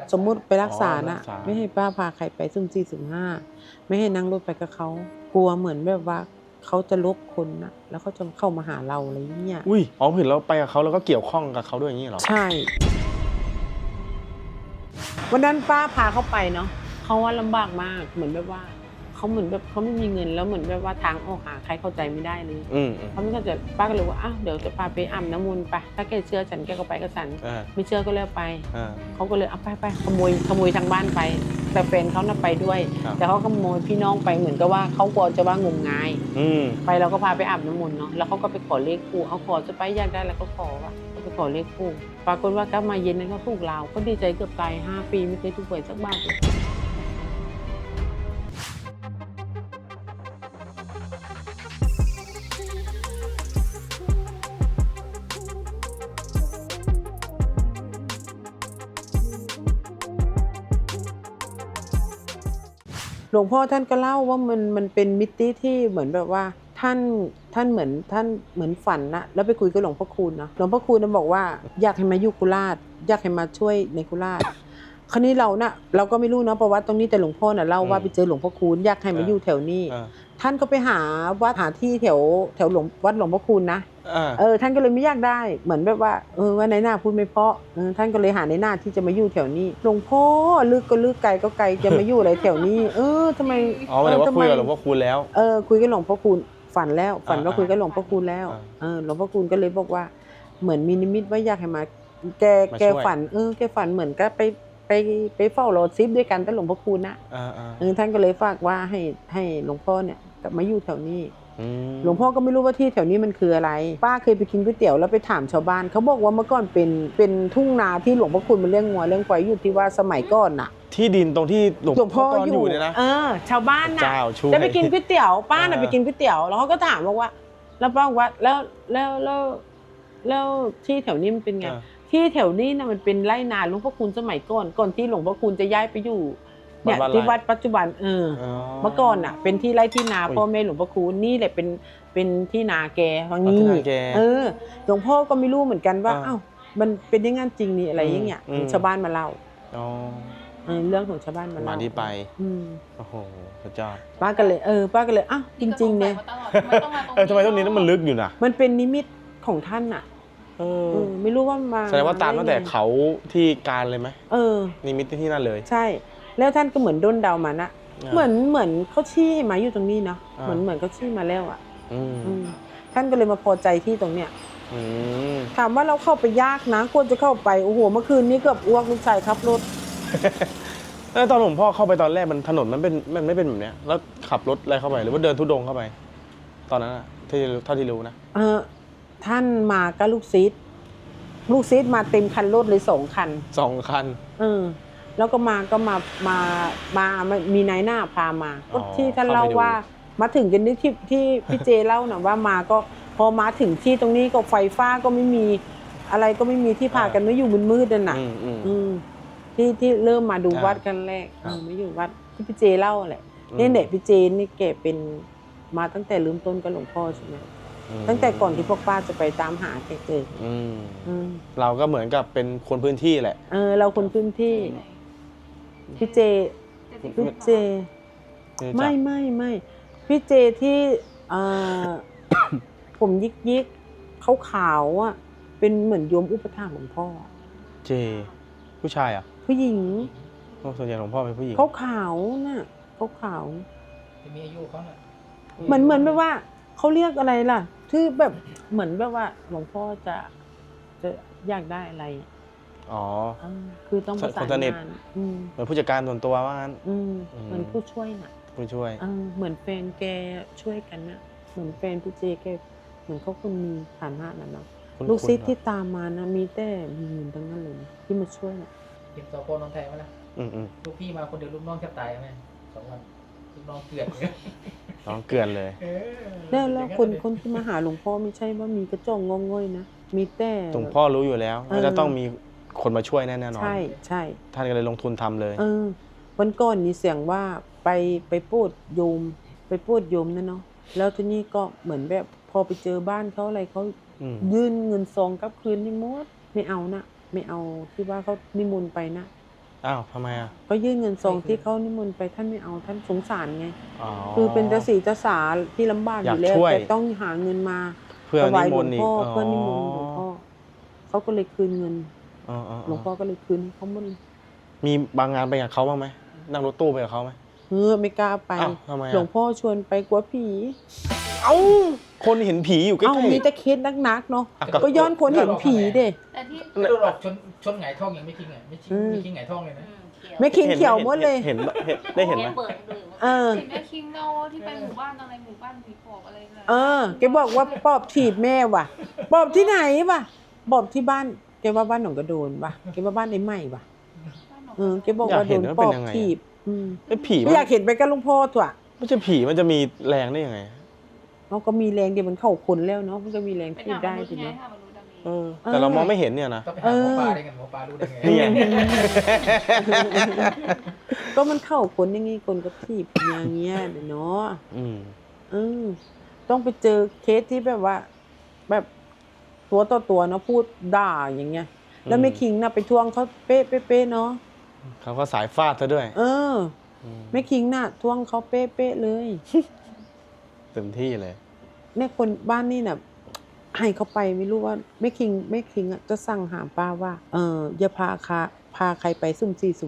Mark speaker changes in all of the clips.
Speaker 1: สมมุติไปรักษานะไม่ให้ป้าพาใครไปซุ่ม4สุ่ม5ไม่ให้นั่งรถไปกับเขากลัวเหมือนแบบว่าเขาจะลบคนนะแล้วเขาจะเข้ามาหาเราอะไรอย่างเงี้ย
Speaker 2: อุ้ยอ๋อเห็นเราไปกับเขาแล้วก็เกี่ยวข้องกับเขาด้วยอย่างนี้เหรอ
Speaker 1: ใช่วันนั้นป้าพาเขาไปเนาะเขาว่าลำบากมากเหมือนแบบว่าเขาเหมือนแบบเขาไม่มีเงินแล้วเหมือนแบบว่าทางออกหาใครเข้าใจไม่ได้เลยเขาไม่เข้าใจป้าก็เลยว่าอ้าวเดี๋ยวจะพาไปอาบน้ำมนต์ไปถ้าแกเชื่อฉันแกก็ไปกับฉันไม่เชื่อก็เลิกไปเขาก็เลยเอาไปขโมยทางบ้านไปแต่แฟนเขาน่ะไปด้วยแต่เขาขโมยพี่น้องไปเหมือนกับว่าเขากลัวจะว่างมงายไปเราก็พาไปอาบน้ำมนต์เนาะแล้วเขาก็ไปขอเลขคู่เขาขอจะไปอยากได้แล้วก็ขอว่าไปขอเลขคู่ปรากฏว่าก็มาเย็นนั้นเขาถูกเราก็ดีใจเกือบตาย5 ปีไม่เคยถูกหวยสักบาทเลยหลวงพ่อท่านก็เล่าว่ามันเป็นมิติที่เหมือนแบบว่าท่านเหมือนฝันนะแล้วไปคุยกับหลวงพ่อคูณเนาะหลวงพ่อคูณบอกว่าอยากให้มาอยู่โคราชอยากให้มาช่วยในโคราชคราวนี้เราก็ไม่รู้เนาะประวัติตรงนี้แต่หลวงพ่อน่ะเล่าว่าไปเจอหลวงพ่อคูณอยากให้มาอยู่แถวนี้ท่านก็ไปหาที่แถววัดหลวงพ่อคูณนะท่านก็เลยไม่อยากได้เหมือนแบบว่าว่าในหน้าพูดไม่เพราะท่านก็เลยหาในหน้าที่จะมาอยู่แถวนี้หลวงพ่อลึกก็ลึกไกลก็ไกลจะมาอยู่อะไรแถวนี้ทำไม
Speaker 2: หมายถึงว่าคุยกับหลวงพ่อคูณแล้ว
Speaker 1: คุยกับหลวงพ่อคูณฝันว่าคุยกับหลวงพ่อคูณแล้วหลวงพ่อคูณก็เลยบอกว่าเหมือนมีนิมิตว่าอยากให้มาแกฝันแกฝันเหมือนก็ไปเฝ้ารอซิปด้วยกันแต่หลวงพ่อคูณนะท่านก็เลยฝากว่าให้หลวงพ่อเนี่ยมาอยู่แถวนี้หลวงพ่อก็ไม่รู้ว่าที่แถวนี้มันคืออะไรป้าเคยไปกินก๋วยเตี๋ยวแล้วไปถามชาวบ้านเขาบอกว่าเมื่อก่อนเป็นทุ่งนาที่หลวงพ่อคูณมันเลี้ยงงัวเลี้ยงควายอยู่ที่ว่าสมัยก่อนน่ะ
Speaker 2: ที่ดินตรงที่หลวงพ่ออยู่เนี่ยนะ
Speaker 1: ชาวบ้านน่ะจะไปกินก๋วยเตี๋ยวป้าน่ะไปกินก๋วยเตี๋ยวแล้วเขาก็ถามว่าแล้วป้าว่าแล้วที่แถวนี้มันเป็นไงที่แถวนี้นะมันเป็นไร่นาหลวงพ่อคูณสมัยก่อนที่หลวงพ่อคูณจะย้ายไปอยู่เนี่ยที่วัดปัจจุบันเมื่อก่อนอ่ะเป็นที่ไร่ที่นาพ่อแม่หลวงพ่อคูณนี่แหละเป็นที่นาแกทางนี้หลวงพ่อก็ไม่รู้เหมือนกันว่าอ้าวมันเป็นยังไงจริงนี่อะไรอย่างเงี้ยชาวบ้านมาเล่าเรื่องของชาวบ้านมาเล่า
Speaker 2: มาที่ไปโอ้โหพระเจ้า
Speaker 1: ป้าก็เลยอ้าวจริงๆเนี่ย
Speaker 2: ทำไมตรงนี้มันลึกอยู่นะ
Speaker 1: มันเป็นนิมิตของท่านอ่ะไม่รู้ว่ามา
Speaker 2: แสดงว่าตามตั้งแต่เขาที่การเลยไหมนิมิตที่นั่นเลย
Speaker 1: ใช่แล้วท่านก็เหมือนด้นเดามานะเหมือนเขาชี้มาอยู่ตรงนี้เนาะเหมือนเขาชี้มาแล้วอ่ะท่านก็เลยมาพอใจที่ตรงเนี้ยถามว่าเราเข้าไปยากนะควรจะเข้าไปโอ้โหเมื่อคืนนี้เกือบอ้วกลูกชายขับรถ
Speaker 2: แล้วตอนหลวงพ่อเข้าไปตอนแรกมันถนนมันไม่เป็นแบบเนี้ยแล้วขับรถอะไรเข้าไปหรือว่าเดินทุดงเข้าไปตอนนั้นที่เท่าที่รู้นะ
Speaker 1: ท่านมากับลูกซีดมาเต็มคันรถเลย2 คันแล้วก็มามีนายหน้าพามาก็ที่ท่านเล่าว่ามาถึงกันที่พี่เจเล่านะว่ามาก็พอมาถึงที่ตรงนี้ก็ไฟฟ้าก็ไม่มีอะไรก็ไม่มีที่พากันไม่อยู่มืดๆนั่นน่ะที่เริ่มมาดูวัดกันแรกไม่อยู่วัดที่พี่เจเล่าแหละนี่เด็กพี่เจนี่แกเป็นมาตั้งแต่เริ่มต้นกับหลวงพ่อใช่ไหมตั้งแต่ก่อนที่พวกป้าจะไปตามหาแกเจอ
Speaker 2: เราก็เหมือนกับเป็นคนพื้นที่แหละ
Speaker 1: เราคนพื้นที่พี่เจไม่พี่เจที่ผมยิกขาวอ่ะเป็นเหมือนโยมอุปถากหลวงพ่อ
Speaker 2: เจผู้ชายอ่ะ
Speaker 1: ผู้หญิง
Speaker 2: ส่วนใหญ่หลวงพ่อเป็นผู้หญิง
Speaker 1: ขาวน่ะขาว
Speaker 3: มีอายุเขาน่ะ
Speaker 1: เหมือนแบบว่าเขาเรียกอะไรล่ะที่แบบเหมือนแบบว่าหลวงพ่อจะอยากได้อะไรคือต้องประสานงาน
Speaker 2: เหมือนผู้จัดการส่วนตัวว่างั้น
Speaker 1: เหมือนผู้ช่วยน่ะ
Speaker 2: ผู้ช่วย
Speaker 1: เหมือนแฟนแกช่วยกันนะเหมือนแฟนพี่เจแกเหมือนเขาคนมีฐานะนั่นเนาะลูกศิษย์ที่ตามมานะมีแต่มีเงินทั้งนั้นเลยที่มาช่วยน่ะ
Speaker 3: เก็บสปน้องไทยมาแล้วลูกพี่มาคนเดียวลูกน้องแทบตายไหม2 วันลูกน้องเกลื่อน
Speaker 2: เลย
Speaker 1: แล้วคนที่มาหาหลวงพ่อไม่ใช่ว่ามีกระจองงงง่อยนะมีแต่
Speaker 2: หลวงพ่อรู้อยู่แล้วว่าจะต้องมีคนมาช่วยแน่นอน
Speaker 1: ใช่
Speaker 2: ท่านก็เลยลงทุนทำเลย
Speaker 1: วันก่อนนี่เสียงว่าไปพูดโยมนะเนาะแล้วทีนี้ก็เหมือนแบบพอไปเจอบ้านเขาอะไรเขายื่นเงินซองกลับคืนนี่หมดไม่เอานะไม่เอาที่ว่าเขานิมนต์ไปนะ
Speaker 2: อ้าวทำไมอ่ะ
Speaker 1: ก็ยื่นเงินซองที่เขานิมนต์ไปท่านไม่เอาท่านสงสารไง
Speaker 2: อ๋อ
Speaker 1: คือเป็นเจ้าสีเจ้าสาที่ลำบากอยู่แล้ว
Speaker 2: อยากช่วย
Speaker 1: แต่ต้องหาเงินมา
Speaker 2: เพื่อ
Speaker 1: ถวา
Speaker 2: นิ
Speaker 1: ยห
Speaker 2: ม
Speaker 1: ลวน ง
Speaker 2: ต์อีก
Speaker 1: พ่อเพื่อนิมนต์หลวงพ่อเขาก็เลยคืนเงิน
Speaker 2: อ๋อ
Speaker 1: หลวงพ่อก็เลยคืนให้เขาหมดเลย
Speaker 2: มีบางงานไปกับเขาบ้างไหมนั่งรถตู้ไปกับเขาไหม
Speaker 1: ไม่กล้าไป
Speaker 2: อ้าวทำไมอะ
Speaker 1: หลวงพ่อชวนไปกลัวผี
Speaker 2: เอ้าคนเห็นผีอยู่ใกล้
Speaker 1: เอ้ามีแต่เคสนักๆเนาะ ก็ย้อนคนเห็นผีเด้
Speaker 4: แต่ที่
Speaker 3: โดนหลอกชนหงายท้องยังไม่คิงอ่ะไม่คิงหงายท้องเลยนะ
Speaker 1: ไม่คิงเขียวหมดเลย
Speaker 2: เห็นได้เห็นไหม
Speaker 4: เปิดดู
Speaker 1: เออ
Speaker 4: เห็นแม่คิงเงาที่ไปหมู่บ้านอะไรหมู่บ้านผีปอบอะไรนะ
Speaker 1: เออแกบอกว่าปอบถีบแม่ว่ะปอบที่ไหนว่ะปอบที่บ้านแกว่าบ้านหนองกระโดนว่ะแกว่าบ้านไอ้ใหม่ว่ะแกบอกว่าโดนปอบถีบ
Speaker 2: ไอ้ผี
Speaker 1: ไม่อยากเห็นไปกับหลุงพ่อถั่ว
Speaker 2: ไม่ใช่ผีมันจะมีแรงได้ยังไง
Speaker 1: เขาก็มีแรงเดียวมันเข้าคนแล้วเนาะมันก็มีแรง
Speaker 4: เป็น
Speaker 1: ถีบ
Speaker 4: หา
Speaker 1: ได้
Speaker 4: มนุษ
Speaker 1: ที
Speaker 4: ย์ไง
Speaker 1: เนาะ
Speaker 4: หามนุษย์มี
Speaker 2: แต่เรามองไม่เห็นเนี่ยนะ
Speaker 3: ต้องไปหาหมอปลาได้ไงหมอปลารู้ได้ไง
Speaker 2: นี่ไง
Speaker 1: ก็มันเข้าคนอย่างงี้คนก็ถีบอย่างเงี้ยเนาะ ต้องไปเจอเคสที่แบบว่า แบบตัวต่อตัวเนาะพูดด่าอย่างเงี้ย แล้วไม่คิงน่ะไปทวงเขาเป๊ะเนาะ
Speaker 2: เขาก็สายฟาดซะด้วย
Speaker 1: ไม่คิงน่ะทวงเขาเป๊ะเลย
Speaker 2: เต็มที่เลย
Speaker 1: เนี่ยคนบ้านนี่น่ะให้เขาไปไม่รู้ว่าไม่คิงอ่ะจะสั่งหามป้าว่าอย่าพาใครไปสุ่ม4สุ่ม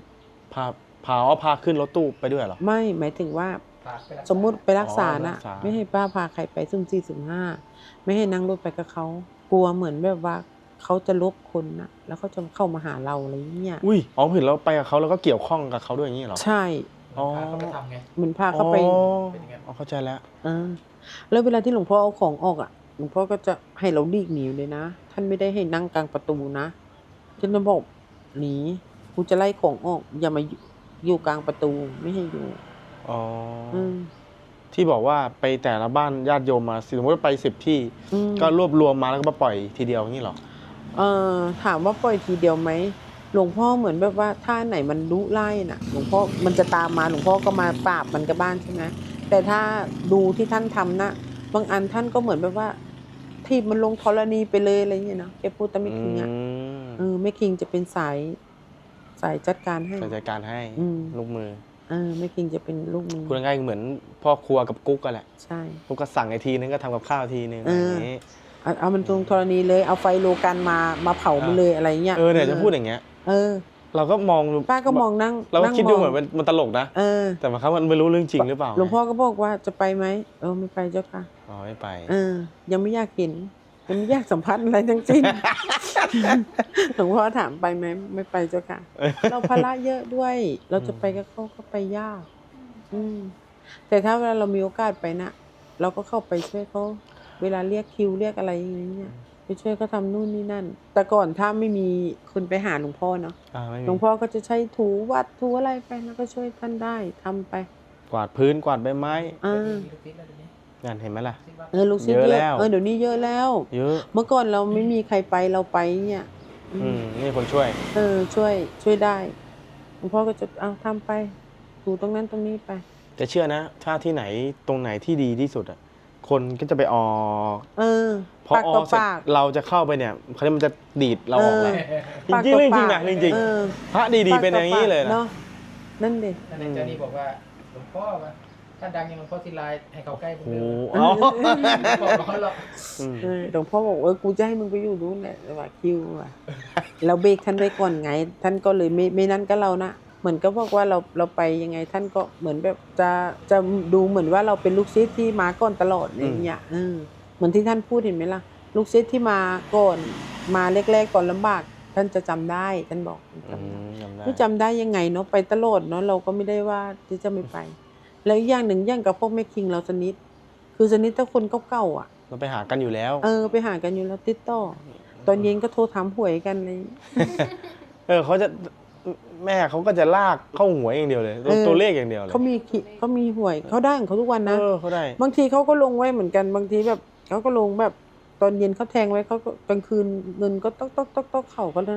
Speaker 1: 5
Speaker 2: พาขึ้นรถตู้ไปด้วยเหรอ
Speaker 1: ไม่หมายถึงว่าสมมุติไปรักษานะไม่ให้ป้าพาใครไปสุ่ม4สุ่ม5ไม่ให้นั่งรถไปกับเขากลัวเหมือนแบบว่าเขาจะลบคนนะแล้วเขาจะเข้ามาหาเราอะไรอย่างเงี้ย
Speaker 2: อุ้ยอ๋อเห็นเราไปกับเขาแล้วก็เกี่ยวข้องกับเขาด้วยอย่างนี้เหรอ
Speaker 1: ใช่
Speaker 3: พาเขาไปทำไง
Speaker 1: เหมือนพาเขาไป
Speaker 2: อ๋อเข้าใจแล้ว
Speaker 1: แล้วเวลาที่หลวงพ่อเอาของออกอ่ะหลวงพ่อก็จะให้เราหลีกหนีเลยนะท่านไม่ได้ให้นั่งกลางประตูนะท่านจะบอกหนีกูจะไล่ของออกอย่ามาอยู่กลางประตูไม่ให้อยู่
Speaker 2: อ๋อที่บอกว่าไปแต่ละบ้านญาติโยมมาสมมติว่าไป10 ที่ก็รวบรวมมาแล้วก็มาปล่อยทีเดียวอย่างนี้เหรอ
Speaker 1: ถามว่าปล่อยทีเดียวไหมหลวงพ่อเหมือนแบบว่าถ้าไหนมันลุไล่น่ะหลวงพ่อมันจะตามมาหลวงพ่อก็มาปราบมันกับบ้านใช่ไหมแต่ถ้าดูที่ท่านทำนะบางอันท่านก็เหมือนแบบว่าทีบมันลงธรณีไปเลยอะไรอย่างเงี้ยเนาะแกพูดแต่ไม่คิงอ่ะไม่คิงจะเป็นสายจัดการให้
Speaker 2: สายจัดการให้ลูกมือ
Speaker 1: ไม่คิงจะเป็นลูกมือ
Speaker 2: พูดง่ายๆเหมือนพ่อครัวกับกุ๊กกันแหละ
Speaker 1: ใช่
Speaker 2: กุ๊กก็สั่งไอทีนึงก็ทำกับข้าวทีนึงอย่างนี้
Speaker 1: เอามันลงธรณีเลยเอาไฟโลกันมาเผามันเลยอะไรเงี้ย
Speaker 2: เนี่ยจะพูดอย่างเงี้ยเราก็มอง
Speaker 1: ป้าก็มองนั่ง
Speaker 2: เราก็คิดดูเหมือนมันตลกนะแต่บางครั้งมันไม่รู้เรื่องจริงหรือเปล่า
Speaker 1: หลวงพ่อก็บอกว่าจะไปไหมไม่ไปเจ้าค่ะ
Speaker 2: อ๋อไม่ไป
Speaker 1: ยังไม่อยากเห็นยังไม่อยากสัมผัสอะไรทั้งสิ้นหลวงพ่อถามไปไหมไม่ไปเจ้าค่ะเราภาระเยอะด้วยเราจะไปกับเขาก็ไปยากแต่ถ้าเวลาเรามีโอกาสไปนะเราก็เข้าไปช่วยเขาเวลาเรียกคิวเรียกอะไรอย่างเงี้ยไปช่วยเขาทำนู่นนี่นั่นแต่ก่อนถ้าไม่มีคนไปหาหลวงพ่อเนาะหลวงพ่อก็จะใช้ถูวัดถูอะไรไปแล้วก็ช่วยท่านได้ทำไป
Speaker 2: กวาดพื้นกวาดใบไม้งานเห็นไหมล่ะ
Speaker 1: ลูกศิษย์เยอะเดี๋ยวนี้เยอะแล้ว
Speaker 2: เยอะ
Speaker 1: เมื่อก่อนเราไม่มีใครไปเราไปเนี่ย
Speaker 2: นี่คนช่วย
Speaker 1: ช่วยได้หลวงพ่อก็จะเอาทำไปถูตรงนั้นตรงนี้ไป
Speaker 2: แต่เชื่อนะถ้าที่ไหนตรงไหนที่ดีที่สุดอ่ะคนก็จะไปออกพอออกเสร็จเราจะเข้าไปเนี่ยเขาจะมันจะดีดเราออกแล้วจริงจริงนะจริงพระดีๆเป็นอย่างนี้เลยนะ
Speaker 1: นั่นเด็ก
Speaker 3: นั่นเจ้านี่บอกว่าหลวงพ่อว่าถ้าดังอย่างหลวงพ่อศิลาให้เขาใกล้ผมเลยบอกเขาหรอก
Speaker 1: หลวงพ่อบอกกูจะให้มึงไปอยู่นู้นแหละว่าคิวว่ะเราเบรกท่านไว้ก่อนไงท่านก็เลยไม่นั่นก็เรานะเหมือนก็บอกว่าเราไปยังไงท่านก็เหมือนแบบจะดูเหมือนว่าเราเป็นลูกศิษย์ที่มาก่อนตลอดอย่างเงี้ยเหมือนที่ท่านพูดเห็นไหมล่ะลูกศิษย์ที่มาก่อนมาแรกๆก่อนลำบากท่านจะจำได้ท่านบอกจำได้ยังไงเนาะไปตลอดเนาะเราก็ไม่ได้ว่าที่จะไม่ไปแล้วอีกอย่างหนึ่งอย่างกับพวกแม่คิงเราสนิทคือสนิทถ้าคนเก่าๆอ่ะ
Speaker 2: เราไปหากันอยู่แล้ว
Speaker 1: ไปหากันอยู่แล้วติดต่อตอนเย็นก็โทรถามหวยกันเลย
Speaker 2: เขาจะแม่เขาก็จะลากเข้าหวยอย่างเดียวเลยตัวเลขอย่างเดียวเลย
Speaker 1: เขามีหวยเขาได้ของเขาทุกวันนะ
Speaker 2: เขาได้
Speaker 1: บางทีเขาก็ลงไว้เหมือนกันบางทีแบบเขาก็ลงแบบตอนเย็นเขาแทงไว้เขากลางคืนเงินก็ต๊อกเข่ากันนะ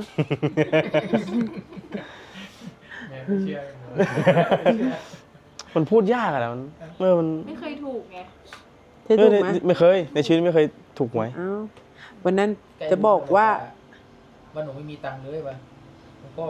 Speaker 2: มันพูดยากอะมัน
Speaker 4: ไม่เคยถูกไง
Speaker 2: ไม่เคยในชีวิตไม่เคยถูกหวย
Speaker 1: วันนั้นจะบอกว่า
Speaker 3: หนูไม่มีตังค์เลยว่ะหลวงพ่อ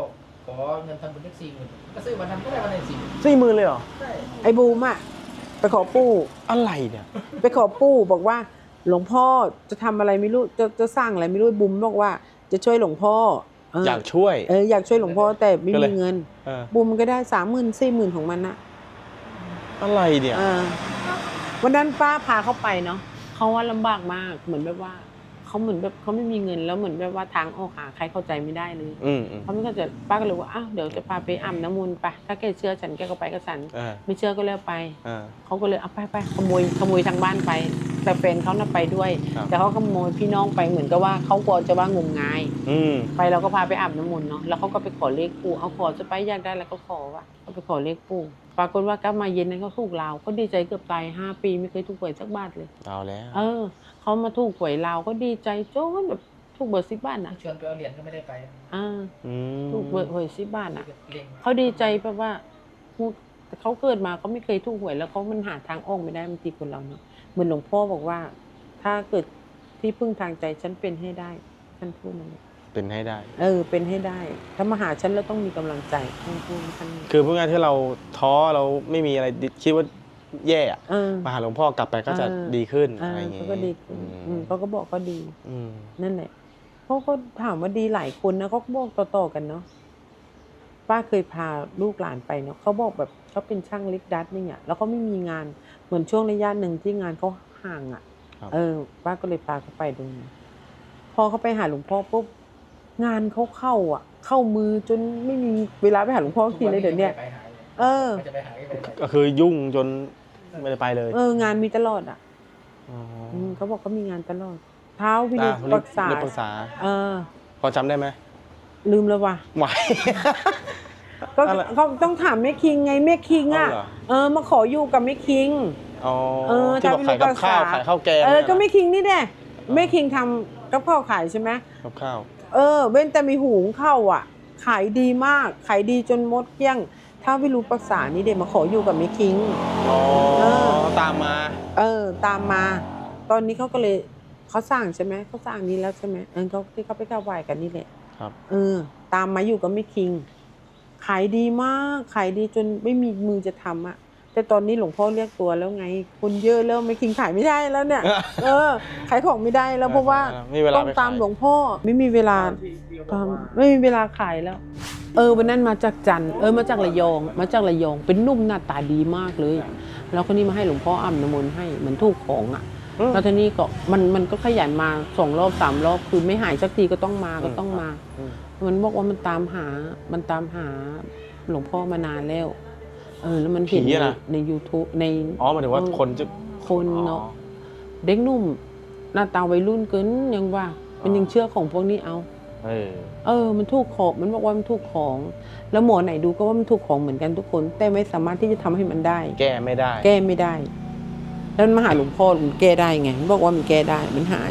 Speaker 3: ขอเงินทำบุญได้40,000ก็ซื้อวันทำก็ได้วันไหน40,000
Speaker 2: 40,000เลยเหรอ
Speaker 3: ใช่
Speaker 1: ไอ้บูมอะไปขอปู่
Speaker 2: อะไรเนี่ย
Speaker 1: ไปขอปู่บอกว่าหลวงพ่อจะทำอะไรไม่รู้จะสร้างอะไรไม่รู้บุ๋มบอกว่าจะช่วยหลวงพ่อ
Speaker 2: อยากช่วย
Speaker 1: อยากช่วยหลวงพ่อแต่ไม่
Speaker 2: ก็เล
Speaker 1: มี
Speaker 2: ย
Speaker 1: เงิน บุ๋มก็ได้30,000 40,000ของมันนะ
Speaker 2: อะไรเนี่ย
Speaker 1: วันนั้นป้าพาเขาไปเนาะเขาว่าลำบากมากเหมือนแบบว่าเขาเหมือนแบบเขาไม่มีเงินแล้วเหมือนแบบว่าทางออกหาใครเข้าใจไม่ได้เลยเขาไม่เข้าใจป้าก็เลยว่าอ้าวเดี๋ยวจะพาไปอาบน้ำมนต์ไปถ้าแกเชื่อฉันแกก็ไปกับฉันไม่เชื่อก็แล้วไปเขาก็เลยเอาไปขโมยทางบ้านไปแต่แฟนเขาน่ะไปด้วยแต่เขาขโมยพี่น้องไปเหมือนกับว่าเขากลัวจะว่างมงายไปเราก็พาไปอาบน้ำมนต์เนาะแล้วเขาก็ไปขอเลขปู่เอาขอจะไปอยากได้แล้วก็ขอว่าเขาไปขอเลขปู่ปรากฏว่ากลับมาเย็นนั้นเขาถูกลาวก็ดีใจเกือบตาย5 ปีไม่เคยถูกหวยสักบาทเลย
Speaker 2: เอาแล้ว
Speaker 1: เขามาถูกหวยลาวก็ดีใจโจ้แบบถูกเบอร์10 บาทนะ
Speaker 3: ชวนไปเอาเหรียญก็ไม่ได้ไป
Speaker 1: ถูกหวย10 บาทนะเขาดีใจแบบว่าเขาเกิดมาเขาไม่เคยถูกหวยแล้วเขามันหาทางออกไม่ได้บางทีคนเราเนาะเหมือนหลวงพ่อบอกว่าถ้าเกิดที่พึ่งทางใจฉันเป็นให้ได้ฉันพูดนั่นเอง
Speaker 2: เป็นให้ได้
Speaker 1: เป็นให้ได้ถ้ามาหาฉันแล้วต้องมีกำลังใจพูดท่าน
Speaker 2: คือเพื่อที่เราท้อเราไม่มีอะไรคิดว่าแย่มาหาหลวงพ่อกลับไปก็จะดีขึ้นอะไรอย่างเงี้ย
Speaker 1: ก็ดีเขาก็บอกก็ดีนั่นแหละเขาก็ถามว่าดีหลายคนนะเขาก็บอกต่อๆกันเนาะป้าเคยพาลูกหลานไปเนาะเขาบอกแบบเขาเป็นช่างลิฟต์ดัดเนี่ยแล้วเขาไม่มีงานเหมือนช่วงระยะหนึ่งที่งานเขาห่างป้าก็เลยพาเขาไปดูพอเขาไปหาหลวงพ่อปุ๊บงานเขาเข้ามือจนไม่มีเวลาไปหาหลวงพ่อทีเลยเดี๋ยวนี้
Speaker 2: ก็คือยุ่งจนไม่ได้ไปเลย
Speaker 1: งานมีตลอดเขาบอกเขามีงานตลอดเท้าพินิจปรึกษา
Speaker 2: พอจำได้ไหม
Speaker 1: ลืมแล้วว่ะ
Speaker 2: ไหว
Speaker 1: ก็เขาต้องถามแม่คิงไงแม่คิงมาขออยู่กับแม่คิง
Speaker 2: ที่บอกขายกับข้าวขายข้าวแกง
Speaker 1: ก็แม่คิงนี่แหละแม่คิงทำกับข้าวขายใช่ไหม
Speaker 2: กับข้าว
Speaker 1: เว้นแต่มีหุงข้าวขายดีมากขายดีจนมดเกลี้ยงถ้าวิรูปรักษานี่เด็กมาขออยู่กับแม่คิง
Speaker 2: ตามมา
Speaker 1: ตามมาตอนนี้เขาก็เลยเขาสร้างใช่ไหมเขาสร้างนี้แล้วใช่ไหมเขาที่เขาไปกราบไหว้กันนี่แหละ
Speaker 2: ครับ
Speaker 1: ตามมาอยู่กับแม่คิงขายดีมากขายดีจนไม่มีมือจะทำแต่ตอนนี้หลวงพ่อเรียกตัวแล้วไงคนเยอะแล้วแม่คิงขายไม่ได้แล้วเนี่ยขายของไม่ได้แล้วเพราะว่าต้องตามหลวงพ่อไม่มีเวลาไม่มีเวลาขายแล้ววันนั้นมาจากจันทร์มาจากระยองเป็นนุ่มหน้าตาดีมากเลยแล้วคนนี้มาให้หลวงพ่ออาบน้ำมนต์ให้เหมือนถูกของแล้วทีนี้ก็มันก็ขยันมา2 รอบ 3 รอบคือไม่หายสักทีก็ต้องมามันบอกว่ามันตามหาหลวงพ่อมานานแล้วแล้วมันเห็นใน YouTube ใน
Speaker 2: หมายถึงว่า
Speaker 1: คนเนาะเด็กนุ่มหน้าตาวัยรุ่นเกินยังว่ามันยังเชื่อของพวกนี้เอามันถูกของมันบอกว่ามันถูกของแล้วหมอไหนดูก็ว่ามันถูกของเหมือนกันทุกคนแต่ไม่สามารถที่จะทำให้มันได้
Speaker 2: แก้ไม่ได้
Speaker 1: แล้วมันมาหาหลวงพ่อมันแก้ได้ไงมันบอกว่ามันแก้ได้มันหาย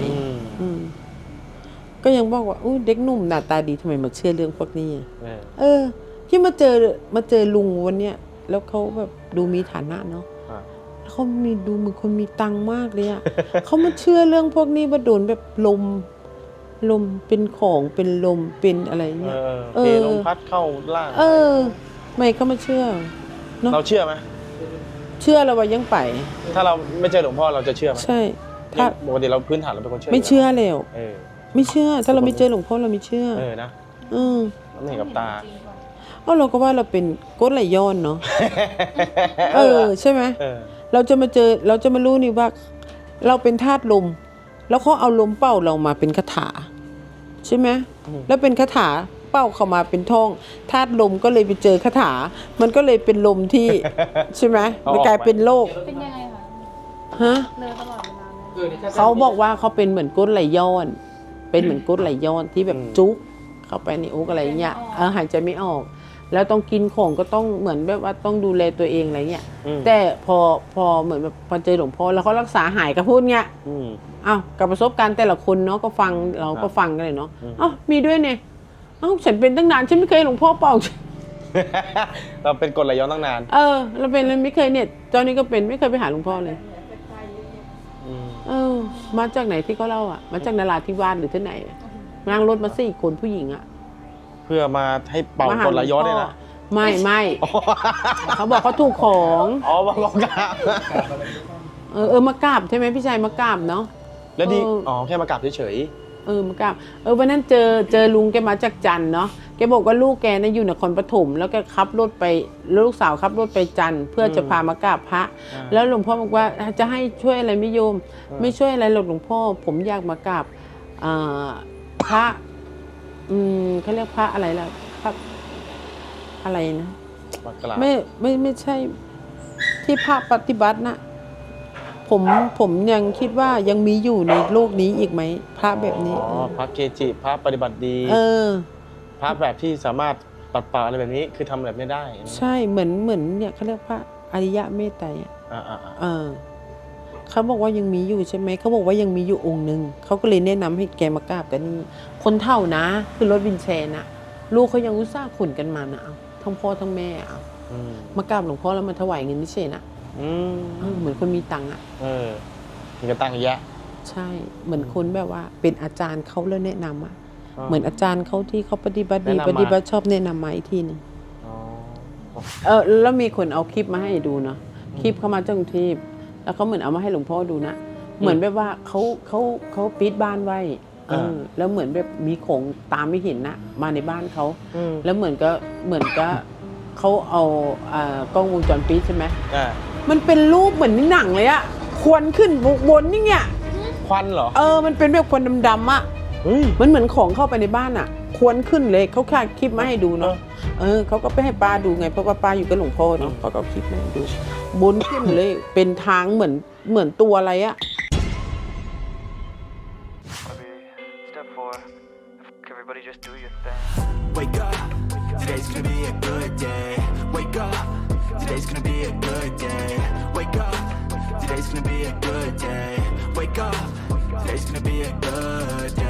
Speaker 1: ก็ยังบอกว่าเด็กหนุ่มหน้าตาดีทำไมมาเชื่อเรื่องพวกนี้ที่มาเจอลุงวันเนี้ยแล้วเขาแบบดูมีฐานะเนาะเขามีดูเหมือนคนมีตังค์มากเลยเขามาเชื่อเรื่องพวกนี้ว่าโดนแบบลมเป็นของเป็นลมเป็นอะไรเงี้ย
Speaker 2: ลมพัดเข้าล่าง
Speaker 1: ไม่เขามาเชื่อ
Speaker 2: เนาะเราเชื่อไหม
Speaker 1: เชื่อเราว่ายังไป
Speaker 2: ถ้าเราไม่เจอหลวงพ่อเราจะเชื่อไหม
Speaker 1: ใช่ถ้า
Speaker 2: ปกติเราพื้นฐานเราเป็นคนเชื่อ
Speaker 1: ไม่เชื่อแล้วไม่เชื่อถ้าเราไม่เจอหลวงพ่อเราไม่เชื่อ
Speaker 2: นะเราไม่เห็นกับตา
Speaker 1: เราก็ว่าเราเป็นก้นไหลย้อนเนาะใช่ไหมเราจะมารู้นี่ว่าเราเป็นธาตุลมแล้วเขาเอาลมเป่าเรามาเป็นคาถาใช่ไหมแล้วเป็นคาถาเป่าเข้ามาเป็นท่องธาตุลมก็เลยไปเจอคาถามันก็เลยเป็นลมที่ใช่ไหมมันกลายเป็นโรค
Speaker 4: เป็นยังไงเลยตลอดเวลา
Speaker 1: เขาบอกว่าเขาเป็นเหมือนก้นไหลย้อนเป็นเหมือนก้นไหลย้อนที่แบบจุกเข้าไปในอกอะไรเงี้ยหายใจไม่ออกแล้วต้องกินของก็ต้องเหมือนแบบว่าต้องดูแลตัวเองอะไรเงี้ยแต่พอเหมือนแบบพอเจอหลวงพ่อแล้วเขารักษาหายก็พูดเงี้ยกับประสบการณ์แต่ละคนเนาะก็ฟังเราก็ฟังกันเลยเนาะมีด้วยเนี่ยฉันเป็นตั้งนานฉันไม่เคยหลวงพ่อเป่า
Speaker 2: เราเป็นกรดไหลย้อนตั้งนาน
Speaker 1: เราเป็นเลยไม่เคยเนี่ยตอนนี้ก็เป็นไม่เคยไปหาหลวงพ่อเลยมาจากไหนที่เขาเล่ามาจากนราธิวาสหรือที่ไหนนั่งรถมา4 คนผู้หญิง
Speaker 2: เพื่อมาให้เป่ากลย้อนเนี่ยนะ
Speaker 1: ไม่เขาบอกเขาถูกของ
Speaker 2: อ๋อมากราบ
Speaker 1: มากราบใช่ไหมพี่ชายมากราบเนาะ
Speaker 2: แล้วดีแค่มากราบเฉย
Speaker 1: มากราบวันนั้นเจอลุงแกมาจากจันทร์เนาะแกบอกว่าลูกแกนะอยู่นครปฐมแล้วแกขับรถไปลูกสาวขับรถไปจันทร์เพื่อจะพามากราบพระแล้วหลวงพ่อบอกว่าจะให้ช่วยอะไรไม่โยม ไม่ช่วยอะไรหรอกหลวงพ่อผมอยากมากราบพระเขาเรียกพระอะไรล่ะพระอะไรนะ
Speaker 2: ๆมากราบ
Speaker 1: ไม่ใช่ที่พระปฏิบัตินะผมยังคิดว่ายังมีอยู่ในโลกนี้อีกไหมพระแบบนี้
Speaker 2: พระเกจิพระปฏิบัติดีพระแบบที่สามารถปัดเป่าอะไรแบบนี้คือทำแบบไม่ได้
Speaker 1: ใช่เหมือนเนี่ยเขาเรียกพระอริยะเมตไตรเขาบอกว่ายังมีอยู่ใช่ไหมเขาบอกว่ายังมีอยู่องค์หนึ่งเขาก็เลยแนะนำให้แกมากราบกันนี่คนเท่านะคือรถวินแชร์นะลูกเขายังอุตส่าห์ขุนกันมานะเอาทั้งพ่อทั้งแม่เอามากราบหลวงพ่อแล้วมาถวายเงินนี่เฉยนะเหมือนคนมีตังค์อ่ะ
Speaker 2: มีกระตังค์เยอะ
Speaker 1: ใช่เหมือนคนแบบว่าเป็นอาจารย์เขาแล้วแนะนำอ่ะเหมือนอาจารย์เขาที่เขาปฏิบัติดีปฏิบัติชอบแนะนำมาอีกทีนึงแล้วมีคนเอาคลิปมาให้ดูเนาะคลิปเข้ามาจากกรุงเทพแล้วเขาเหมือนเอามาให้หลวงพ่อดูนะเหมือนแบบว่าเขาปิดบ้านไว้แล้วเหมือนแบบมีของตามไม่เห็นนะมาในบ้านเขาแล้วเหมือนก็เขาเอากล้องวงจรปิดใช่ไหมมันเป็นรูปเหมือนในหนังเลยอะควันขึ้นบนนี่ไง
Speaker 2: ควันเหรอ
Speaker 1: มันเป็นแบบควันดำๆอะมันเหมือนของเข้าไปในบ้านอะควันขึ้นเลยเขาแค่คลิปมาให้ดูเนาะเขาก็ไปให้ป้าดูไงเพราะว่าป้าอยู่กับหลวงพ่อเนาะเขาก็คลิปมาให้ดูบนขึ้นเลยเป็นทางเหมือนตัวอะไรอะ
Speaker 5: Everybody just do your thing. Wake up, today's gonna be a good day. Wake up, today's gonna be a good day. Wake up, today's gonna be a good day. Wake up, today's gonna be a good day.